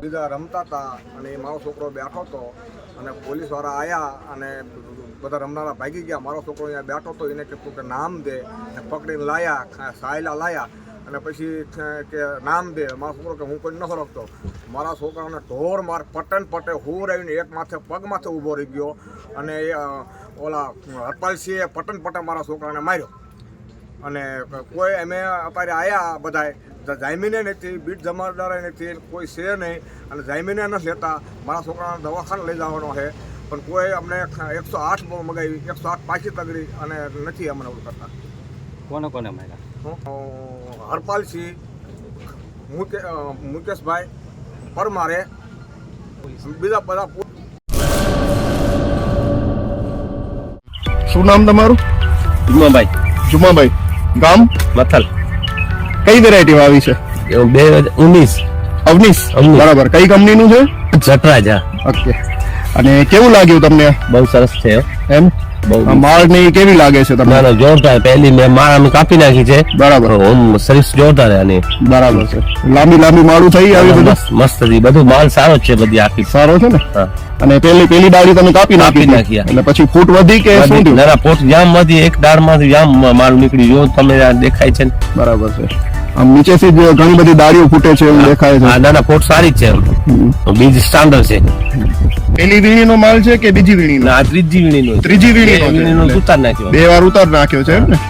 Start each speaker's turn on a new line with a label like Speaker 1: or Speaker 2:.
Speaker 1: બીજા રમતા હતા અને એ મારો છોકરો બેઠો હતો અને પોલીસવાળા આવ્યા અને બધા રમનારા ભાગી ગયા. મારો છોકરો અહીંયા બેઠો હતો, એને કીધું કે નામ દે, પકડીને લાયા, સાયલા લાયા અને પછી કે નામ દે. મારો છોકરો કે હું કોઈ ન રખતો. મારા છોકરાને ઢોર માર પટન પટે હુર આવીને એક માથે પગ માથે ઊભો રહી ગયો અને ઓલા હરપાલસિંહે પટન પટે મારા છોકરાને માર્યો. અને કોઈ અમે અત્યારે આવ્યા બધાએ, જામીને નથી, બીટ જમાદારે નથી, કોઈ છે નહીં અને જામીને નથી લેતા. મારા છોકરાને દવાખાને લઈ જવાનો છે પણ કોઈ અમને 108 મગાવી, 108 પાછી તગડી અને નથી અમને ઓલું કરતા.
Speaker 2: કોને કોને માર્યા?
Speaker 1: હરપાલસિંહ, મુકેશભાઈ પરમારે, બીજા બધા.
Speaker 3: શું નામ તમારું? જુમાભાઈ. ગામ?
Speaker 2: મથલ.
Speaker 3: કઈ વેરાયટી આવી છે?
Speaker 2: 2019.
Speaker 3: અવનીશ. બરાબર. કઈ કંપનીનું છે?
Speaker 2: જટરાજા.
Speaker 3: ઓકે. અને કેવું લાગ્યું તમને?
Speaker 2: બહુ સરસ છે
Speaker 3: એમ? માળ ની કેવી લાગે છે તમને?
Speaker 2: જોરદાર. પહેલી મેં માળ અમે કાપી નાખી છે.
Speaker 3: બરાબર.
Speaker 2: સર્વિસ જોરદાર આની.
Speaker 3: બરાબર છે. લાંબી માળું થઈ આવી બધું
Speaker 2: મસ્ત હતી. બધું માલ સારો છે, બધી આખી
Speaker 3: સારો છે ને. અને પેલી ડાળી તમે કાપી નાખી એટલે પછી ફૂટ વધી કે શું થયું?
Speaker 2: ના, ફૂટ જામ વધી. એક ડાળ માંથી જામ માલ નીકળી ગયો. તમે દેખાય છે.
Speaker 3: બરાબર છે. આમ નીચેથી જ ઘણી બધી ડાળીઓ ફૂટે છે એવું દેખાય છે.
Speaker 2: ના, ફૂટ સારી જ છે. બીજ સ્ટાન્ડર્ડ છે.
Speaker 3: પેલી વીણીનો માલ છે કે બીજી વીણીનો?
Speaker 2: ત્રીજી વીણીનો.
Speaker 3: ત્રીજી વીણીનો
Speaker 2: ઉતાર નાખ્યો.
Speaker 3: 2 વાર ઉતાર નાખ્યો છે એમ ને?